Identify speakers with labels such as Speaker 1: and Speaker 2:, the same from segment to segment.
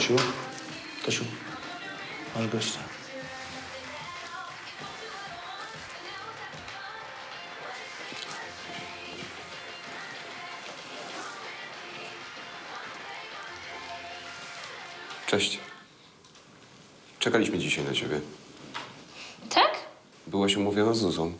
Speaker 1: Tosiu, Tosiu, masz gościa.
Speaker 2: Cześć. Czekaliśmy dzisiaj na ciebie.
Speaker 3: Tak?
Speaker 2: Byłaś umówiona z Zuzą.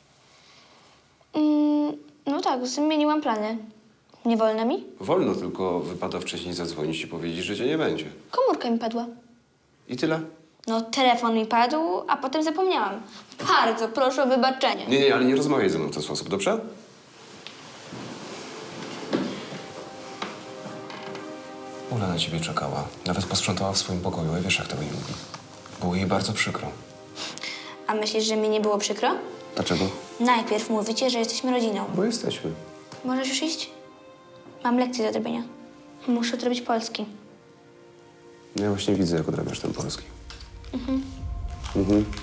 Speaker 3: No tak, zmieniłam plany. Nie wolno mi?
Speaker 2: Wolno, tylko wypada wcześniej zadzwonić i powiedzieć, że cię nie będzie.
Speaker 3: Komórka mi padła.
Speaker 2: I tyle?
Speaker 3: No, telefon mi padł, a potem zapomniałam. Bardzo proszę o wybaczenie.
Speaker 2: Nie, ale nie rozmawiaj ze mną w ten sposób, dobrze? Ula na ciebie czekała. Nawet posprzątała w swoim pokoju, a wiesz, jak tego nie lubi. Było jej bardzo przykro.
Speaker 3: A myślisz, że mi nie było przykro?
Speaker 2: Dlaczego?
Speaker 3: Najpierw mówicie, że jesteśmy rodziną.
Speaker 2: Bo jesteśmy.
Speaker 3: Możesz już iść? Mam lekcję do odrobienia. Muszę odrobić polski.
Speaker 2: No ja właśnie widzę, jak odrabiasz ten polski. Mhm.